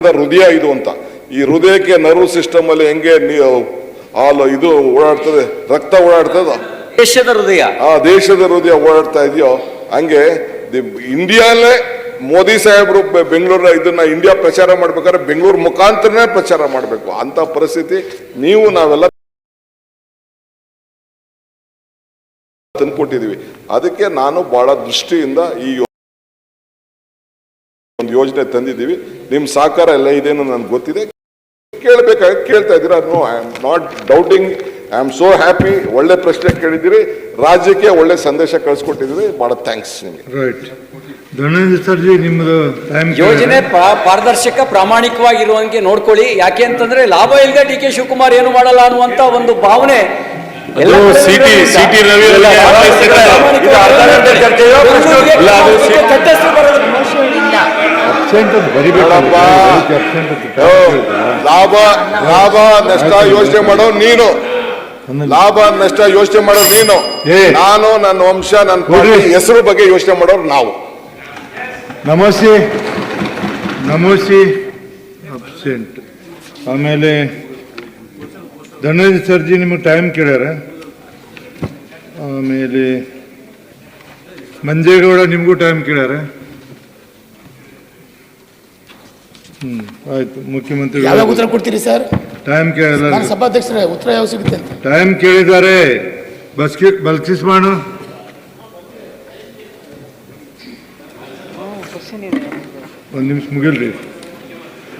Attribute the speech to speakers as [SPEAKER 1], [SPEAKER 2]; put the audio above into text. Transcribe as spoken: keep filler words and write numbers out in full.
[SPEAKER 1] ಹೃದಯ ಇದು ಅಂತ. ಈ ಹೃದಯಕ್ಕೆ ನರ್ವ್ ಸಿಸ್ಟಮ್ ಅಲ್ಲಿ ಹೆಂಗೆ ಹಾಲು ಇದು ಓಡಾಡ್ತದೆ, ರಕ್ತ ಓಡಾಡ್ತದ,
[SPEAKER 2] ದೇಶದ ಹೃದಯ
[SPEAKER 1] ಆ ದೇಶದ ಹೃದಯ ಓಡಾಡ್ತಾ ಇದೆಯೋ ಹಂಗೆ ಇಂಡಿಯಾಲೇ ಮೋದಿ ಸಾಹೇಬರು ಬೆಂಗಳೂರ ಇದನ್ನ ಇಂಡಿಯಾ ಪ್ರಚಾರ ಮಾಡ್ಬೇಕಾದ್ರೆ ಬೆಂಗಳೂರು ಮುಖಾಂತರನೇ ಪ್ರಚಾರ ಮಾಡಬೇಕು ಅಂತ ಪರಿಸ್ಥಿತಿ ನೀವು ನಾವೆಲ್ಲ ತಂದ್ಕೊಟ್ಟಿದೀವಿ. ಅದಕ್ಕೆ ನಾನು ಬಹಳ ದೃಷ್ಟಿಯಿಂದ ಈ ಒಂದು ಯೋಜನೆ ತಂದಿದ್ದೀವಿ. ನಿಮ್ ಸಹಕಾರ ಎಲ್ಲ ಇದೇನು ನನ್ಗೆ ಗೊತ್ತಿದೆ, ಕೇಳಬೇಕಾಗಿ ಕೇಳ್ತಾ ಇದ್ದೀರಾ. No I am not doubting, I am so happy. ಒಳ್ಳೆ ಪ್ರಶ್ನೆ ಕೇಳಿದ್ದೀರಿ, ರಾಜ್ಯಕ್ಕೆ ಒಳ್ಳೆ ಸಂದೇಶ ಕಳಿಸ್ಕೊಟ್ಟಿದ್ದೀರಿ, ಬಹಳ ಥ್ಯಾಂಕ್ಸ್ ನಿಮಗೆ.
[SPEAKER 3] ರೈಟ್ ಧನಂಜಯ ಸರ್ಜಿ, ನಿಮ್ಮದು
[SPEAKER 2] ಯೋಜನೆ ಪಾರದರ್ಶಕ ಪ್ರಾಮಾಣಿಕವಾಗಿರುವಂಗೆ ನೋಡ್ಕೊಳ್ಳಿ. ಯಾಕೆ ಅಂತಂದ್ರೆ ಲಾಭ ಇಲ್ಲದೆ ಡಿ ಕೆ ಶಿವಕುಮಾರ್ ಏನು ಮಾಡಲ್ಲ ಅನ್ನುವಂತ ಒಂದು ಭಾವನೆ
[SPEAKER 4] ಸಿಟಿ ಸಿಟಿ ರವಿ
[SPEAKER 1] ಲಾಭ ಲಾಭ ನಷ್ಟ ಯೋಚನೆ ಮಾಡೋ ನೀನು, ಲಾಭ ನಷ್ಟ ಯೋಚನೆ ಮಾಡೋರು ನೀನು, ನಾನು ನನ್ನ ವಂಶ ನನ್ನ ಪಾರ್ಟಿ ಹೆಸರು ಬಗ್ಗೆ ಯೋಚನೆ ಮಾಡೋರು ನಾವು.
[SPEAKER 3] ನಮೋಸಿ ನಮೋಸಿ ಅಬ್ಸೆಂಟ್. ಆಮೇಲೆ ಧನಂಜಯ ಸರ್ಜಿ ನಿಮಗೆ ಟೈಮ್ ಕೇಳ್ಯಾರ. ಆಮೇಲೆ ಮಂಜೇಗೌಡ ನಿಮಗೂ ಟೈಮ್ ಕೇಳ್ಯಾರ. ಹ್ಮ್ ಆಯ್ತು. ಮುಖ್ಯಮಂತ್ರಿ
[SPEAKER 5] ಯಾವಾಗ ಉತ್ತರ ಕೊಡ್ತೀರಿ ಸರ್?
[SPEAKER 3] ಟೈಮ್ ಕೇಳಿಲ್ಲ,
[SPEAKER 5] ಸಭಾಧ್ಯಕ್ಷರೇ ಉತ್ತರ ಯಾವ ಸಿಗುತ್ತೆ ಅಂತ
[SPEAKER 3] ಟೈಮ್ ಕೇಳಿದ್ದಾರೆ. ಬಸ್ಕಿ ಬಲ್ಕಿಸ್ ಮಾಡು. ಒಂದು ನಿಮಿಷ ಮುಗಿಲ್ರಿ.